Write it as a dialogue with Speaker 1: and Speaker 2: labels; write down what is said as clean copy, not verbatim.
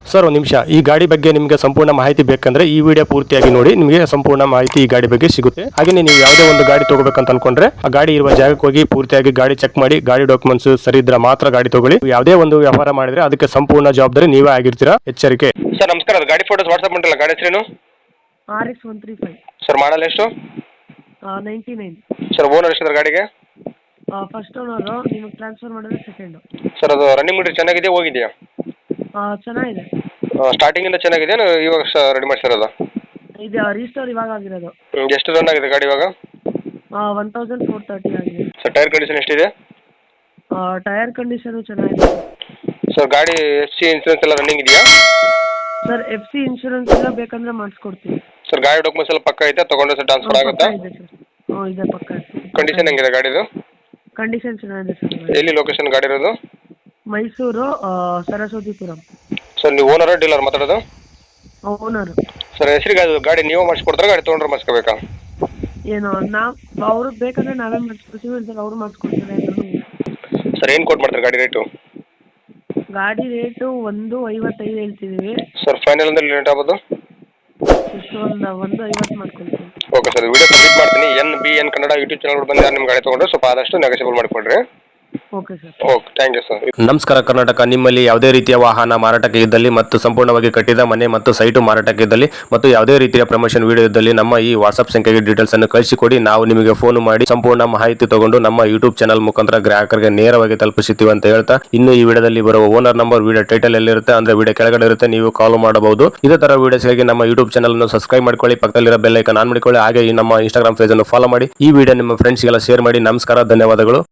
Speaker 1: Sir ಒಂದು ನಿಮಿಷ, ಈ ಗಾಡಿ ಬಗ್ಗೆ ನಿಮಗೆ ಸಂಪೂರ್ಣ ಮಾಹಿತಿ ಬೇಕಂದ್ರೆ ಈ ವಿಡಿಯೋ ಪೂರ್ತಿಯಾಗಿ ನೋಡಿ, ನಿಮಗೆ ಸಂಪೂರ್ಣ ಮಾಹಿತಿ ಈ ಗಾಡಿ ಬಗ್ಗೆ ಸಿಗುತ್ತೆ. ಹಾಗೆ ನೀವು ಯಾವುದೇ ಒಂದು ಗಾಡಿ ತಗೋಬೇಕಂತ ಅನ್ಕೊಂಡ್ರೆ ಆ ಗಾಡಿ ಇರುವ ಜಾಗಕ್ಕೆ ಹೋಗಿ ಪೂರ್ತಿಯಾಗಿ ಗಾಡಿ ಚೆಕ್ ಮಾಡಿ, ಗಾಡಿ ಡಾಕ್ಯುಮೆಂಟ್ಸ್ ಸರಿ ಇದ್ರೆ ಮಾತ್ರ ಗಾಡಿ ತಗೊಳ್ಳಿ. ಯಾವುದೇ ಒಂದು ವ್ಯವಹಾರ ಮಾಡಿದ್ರೆ ಅದಕ್ಕೆ ಸಂಪೂರ್ಣ ಜವಾಬ್ದಾರಿ ನೀವೇ ಆಗಿರ್ತೀರಾ, ಎಚ್ಚರಿಕೆ.
Speaker 2: ಸರ್ ನಮಸ್ಕಾರ, ಅದು ಗಾಡಿ ಫೋಟೋಸ್ ವಾಟ್ಸಪ್ ಮಾಡಿಲ್ಲ, ಗಾಡಿ ಹೆಸರೇನು?
Speaker 3: RX135.
Speaker 2: ಸರ್ ಮಾಡಲ್ ಎಷ್ಟು?
Speaker 3: 99.
Speaker 2: ಸರ್ ಓನರ್ ಎಷ್ಟಿದ್ರೆ ಗಾಡಿಗೆ?
Speaker 3: ಫಸ್ಟ್ ಓನರು, ನಿಮಗೆ ಟ್ರಾನ್ಸ್ಫರ್ ಮಾಡಿದ್ರೆ ಸೆಕೆಂಡು.
Speaker 2: ಸರ್ ಅದು ರನ್ನಿಂಗ್ ಮೀಟರ್ ಚೆನ್ನಾಗಿದೆ, ಹೋಗಿದೆಯಾ?
Speaker 3: ಚೆನ್ನಾಗಿದೆ.
Speaker 2: ಸ್ಟಾರ್ಟಿಂಗಿಂದ ಚೆನ್ನಾಗಿದೆ, ಇವಾಗ ರೆಡಿ ಮಾಡಿಸಿರೋದು?
Speaker 3: ಇದು ರೀಸ್ಟೋರ್ ಇವಾಗ ಆಗಿರೋದು.
Speaker 2: ಎಷ್ಟು ರನ್ ಆಗಿದೆ ಗಾಡಿ ಇವಾಗ?
Speaker 3: 1430 ಆಗಿದೆ.
Speaker 2: ಸರ್ ಟೈರ್ ಕಂಡೀಷನ್ ಎಷ್ಟಿದೆ?
Speaker 3: ಟೈರ್ ಕಂಡೀಷನು ಚೆನ್ನಾಗಿದೆ.
Speaker 2: ಸರ್ ಗಾಡಿ FC ಇನ್ಸೂರೆನ್ಸ್ ಎಲ್ಲ ರನ್ನಿಂಗ್ ಇದೆಯಾ?
Speaker 3: ಸರ್ FC ಇನ್ಶೂರೆನ್ಸ್ ಎಲ್ಲ ಬೇಕಂದ್ರೆ ಮಾಡಿಸ್ಕೊಡ್ತೀವಿ.
Speaker 2: ಸರ್ ಗಾಡಿ ಡಾಕ್ಯುಮೆಂಟ್ಸ್ ಎಲ್ಲ ಪಕ್ಕ ಐತೆ, ತಗೊಂಡ್ರೆ ಸರ್ ಟ್ರಾನ್ಸ್ಫರ್ ಆಗುತ್ತಾ?
Speaker 3: ಇದೆ ಸರ್. ಇದೆ ಪಕ್ಕ.
Speaker 2: ಕಂಡೀಷನ್ ಹೆಂಗಿದೆ ಗಾಡಿದು?
Speaker 3: ಕಂಡೀಷನ್ ಚೆನ್ನಾಗಿದೆ ಸರ್.
Speaker 2: ಎಲ್ಲಿ ಲೊಕೇಶನ್ ಗಾಡಿ ಇರೋದು?
Speaker 3: ಮೈಸೂರು, ಸರಸ್ವತಿಪುರಂ.
Speaker 2: ಸರ್ ನೀವು ಓನರ್ ಡೀಲರ್ ಮಾತಾಡೋದು?
Speaker 3: ಓನರು.
Speaker 2: ಸರ್ ಹೆಸರಿಗೆ ಅದು ಗಾಡಿ ನೀವು ಮಾಡಿಸ್ಕೊಡ್ತಾರೆ, ಗಾಡಿ ತೊಗೊಂಡ್ರೆ ಮಾಡಿಸ್ಕೋಬೇಕಾ?
Speaker 3: ಏನು ಅವ್ರಿಗೆ ಬೇಕಂದ್ರೆ ನಾವೇ ಮಾಡಿಸ್ಕೊಡ್ತೀವಿ, ಸರ್ ಅವರು ಮಾಡಿಸ್ಕೊಡ್ತಾರೆ ಅಂದ್ರೂ.
Speaker 2: ಸರ್ ಏನು ಕೊಟ್ಟು ಮಾಡ್ತಾರೆ ಗಾಡಿ ರೇಟು?
Speaker 3: ಗಾಡಿ ರೇಟು 155 ಹೇಳ್ತಿದ್ದೀವಿ.
Speaker 2: ಸರ್ ಫೈನಲ್ ಅಂದ್ರೆ ಲೇಟ್ ಆಗ್ಬೋದು?
Speaker 3: ಎಷ್ಟು ಒಂದು 150 ಮಾಡ್ಕೊಳ್ತೀವಿ.
Speaker 2: ಓಕೆ ಸರ್, ವಿಡಿಯೋ ಸಬ್ಮಿಟ್ ಮಾಡ್ತೀನಿ. NBN ಕನ್ನಡ ಯೂಟ್ಯೂಬ್ ಚಾನಲ್ ಬಂದು ನಿಮ್ಮ ಗಾಡಿ ತೊಗೊಂಡ್ರೆ ಸ್ವಲ್ಪ ಆದಷ್ಟು ನೆಗೋಷಿಯಬಲ್ ಮಾಡಿಕೊಡ್ರಿ.
Speaker 3: Okay sir.
Speaker 2: Okay, thank you sir.
Speaker 1: ನಮಸ್ಕಾರ ಕರ್ನಾಟಕ. ನಿಮ್ಮಲ್ಲಿ ಯಾವುದೇ ರೀತಿಯ ವಾಹನ ಮಾರಾಟಕ್ಕೆ ಇದ್ದಲ್ಲಿ ಮತ್ತು ಸಂಪೂರ್ಣವಾಗಿ ಕಟ್ಟಿದ ಮನೆ ಮತ್ತು ಸೈಟು ಮಾರಾಟಕ್ಕೆ ಇದ್ದಲ್ಲಿ ಮತ್ತು ಯಾವುದೇ ರೀತಿಯ ಪ್ರಮೋಷನ್ ವಿಡಿಯೋ ಇದ್ದಲ್ಲಿ ನಮ್ಮ ಈ ವಾಟ್ಸ್ಆಪ್ ಸಂಖ್ಯೆಗೆ ಡೀಟೇಲ್ಸ್ ಅನ್ನು ಕಳಿಸಿಕೊಡಿ. ನಾವು ನಿಮಗೆ ಫೋನ್ ಮಾಡಿ ಸಂಪೂರ್ಣ ಮಾಹಿತಿ ತಗೊಂಡು ನಮ್ಮ ಯೂಟ್ಯೂಬ್ ಚಾನಲ್ ಮುಖಾಂತರ ಗ್ರಾಹಕರಿಗೆ ನೇರವಾಗಿ ತಲುಪಿಸುತ್ತೀವಿ ಅಂತ ಹೇಳ್ತಾ, ಇನ್ನು ಈ ವಿಡಿಯೋದಲ್ಲಿ ಬರುವ ಓನರ್ ನಂಬರ್ ವಿಡಿಯೋ ಟೈಟಲ್ ಎಲ್ಲಿರುತ್ತೆ ಅಂದ್ರೆ ವಿಡಿಯೋ ಕೆಳಗಡೆ ಇರುತ್ತೆ, ನೀವು ಕಾಲ್ ಮಾಡಬಹುದು. ಇದೇ ತರ ವಿಡಿಯೋಸ್ಗಾಗಿ ನಮ್ಮ ಯೂಟ್ಯೂಬ್ ಚಾನಲ್ ಅನ್ನು ಸಬ್ಸ್ಕ್ರೈಬ್ ಮಾಡ್ಕೊಳ್ಳಿ, ಪಕ್ಕದಲ್ಲಿರೋ ಬೆಲ್ ಐಕಾನ್ ಆನ್ ಮಾಡಿಕೊಳ್ಳಿ. ಹಾಗೆ ಈ ನಮ್ಮ ಇನ್ಸ್ಟಾಗ್ರಾಮ್ ಪೇಜ್ ಅನ್ನು ಫಾಲೋ ಮಾಡಿ. ಈ ವಿಡಿಯೋ ನಿಮ್ಮ ಫ್ರೆಂಡ್ಸ್ಗೆಲ್ಲ ಶೇರ್ ಮಾಡಿ. ನಮಸ್ಕಾರ, ಧನ್ಯವಾದಗಳು.